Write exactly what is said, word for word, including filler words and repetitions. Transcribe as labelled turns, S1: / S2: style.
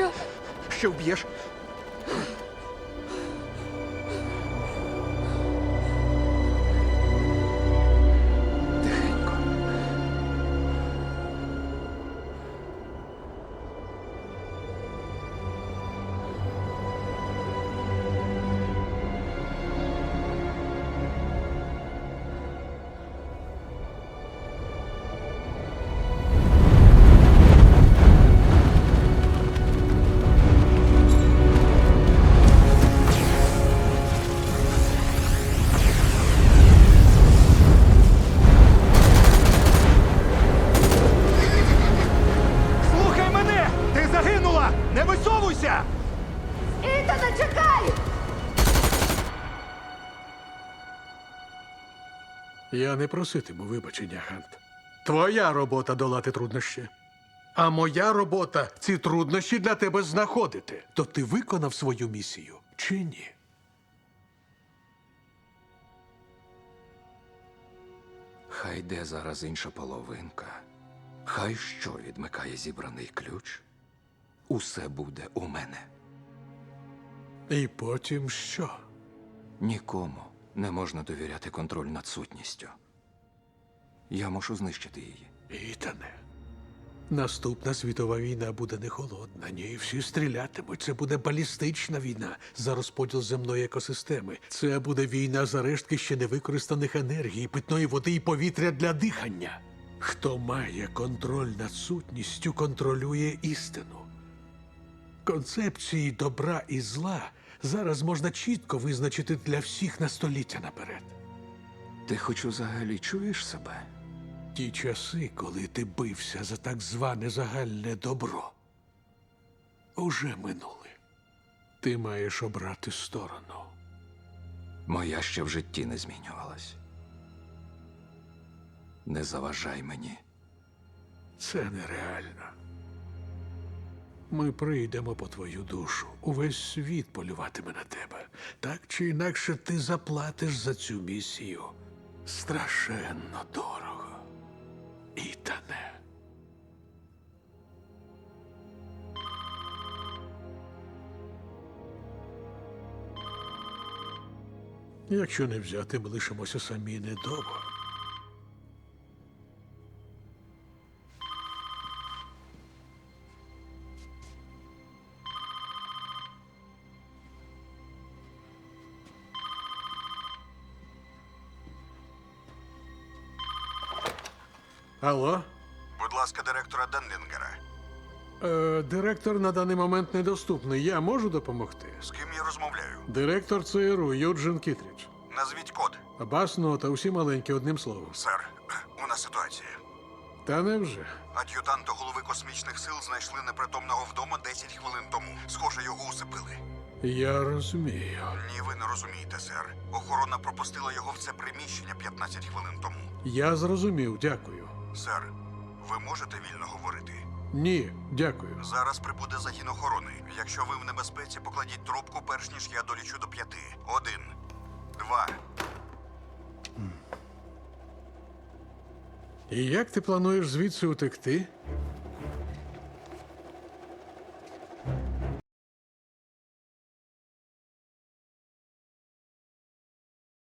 S1: Що?
S2: Що вб'єш? Тихенько. Слухай мене! Ти загинула! Не висовуйся!
S1: Ітана, чекай!
S3: Я не проситиму вибачення, Гант. Твоя робота долати труднощі. А моя робота ці труднощі для тебе знаходити. То ти виконав свою місію чи ні?
S2: Хай де зараз інша половинка. Хай що відмикає зібраний ключ. Усе буде у мене.
S3: І потім що?
S2: Нікому не можна довіряти контроль над сутністю. Я мушу знищити її.
S3: Ітане, наступна світова війна буде не холодна, ні, всі стрілятимуть. Це буде балістична війна за розподіл земної екосистеми. Це буде війна за рештки ще невикористаних енергій, питної води і повітря для дихання. Хто має контроль над сутністю, контролює істину. Концепції добра і зла зараз можна чітко визначити для всіх на століття наперед.
S2: Ти хоч взагалі чуєш себе?
S3: Ті часи, коли ти бився за так зване загальне добро, уже минули. Ти маєш обрати сторону.
S2: Моя ще в житті не змінювалась. Не заважай мені.
S3: Це нереально. Ми прийдемо по твою душу. Увесь світ полюватиме на тебе. Так чи інакше ти заплатиш за цю місію. Страшенно дорого. Ітане. Якщо не взяти, ми лишимося самі недовго. Алло?
S4: Будь ласка, директора Денлінгера.
S3: Е, директор на даний момент недоступний. Я можу допомогти?
S4: З ким я розмовляю?
S3: Директор ЦРУ Юджин Кітрідж.
S4: Назвіть код.
S3: Басно та усі маленькі одним словом.
S4: Сер, у нас ситуація.
S3: Та невже?
S4: Ад'ютанта голови космічних сил знайшли непритомного вдома десять хвилин тому. Схоже, його усипили.
S3: Я розумію.
S4: Ні, ви не розумієте, сер. Охорона пропустила його в це приміщення п'ятнадцять хвилин тому.
S3: Я зрозумів, дякую.
S4: Сер, ви можете вільно говорити?
S3: Ні, дякую.
S4: Зараз прибуде загін охорони. Якщо ви в небезпеці, покладіть трубку, перш ніж я долічу до п'яти. Один, два.
S3: І як ти плануєш звідси утекти?